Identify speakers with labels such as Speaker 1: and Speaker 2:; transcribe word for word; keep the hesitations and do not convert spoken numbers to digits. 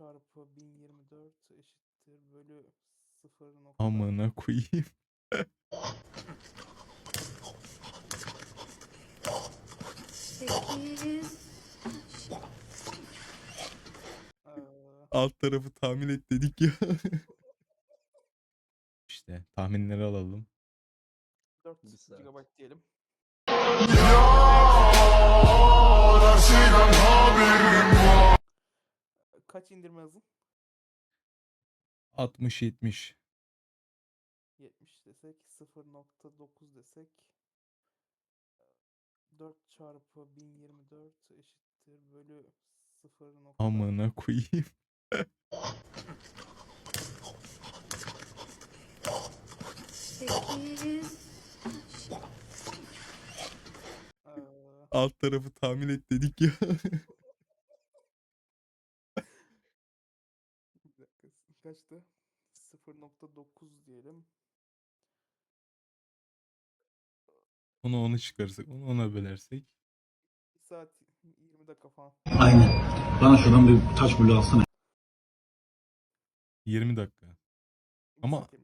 Speaker 1: çarpı bin yirmi dört eşittir bölü sıfır nokta.
Speaker 2: Amına koyayım.
Speaker 3: sekiz.
Speaker 1: Ee,
Speaker 2: Alt tarafı tahmin et dedik ya. İşte tahminleri alalım.
Speaker 1: dört
Speaker 4: Bir saat.
Speaker 1: gigabayt diyelim. Kaç indirme hızın?
Speaker 2: altmış yetmiş.
Speaker 1: yetmiş desek, sıfır nokta dokuz desek, dört çarpı bin yirmi dört eşittir bölü sıfır nokta.
Speaker 2: Amına koyayım.
Speaker 3: sekiz.
Speaker 1: Ee,
Speaker 2: Alt tarafı tahmin et dedik ya.
Speaker 1: bir dakika, kaçtı? sıfır nokta dokuz diyelim.
Speaker 2: Onu onu çıkarırsak, onu ona bölersek.
Speaker 1: bir saat yirmi dakika falan.
Speaker 5: Aynen. Bana şuradan bir taş bulu alsana.
Speaker 2: yirmi dakika.
Speaker 1: bir
Speaker 2: Ama
Speaker 1: saat yirmi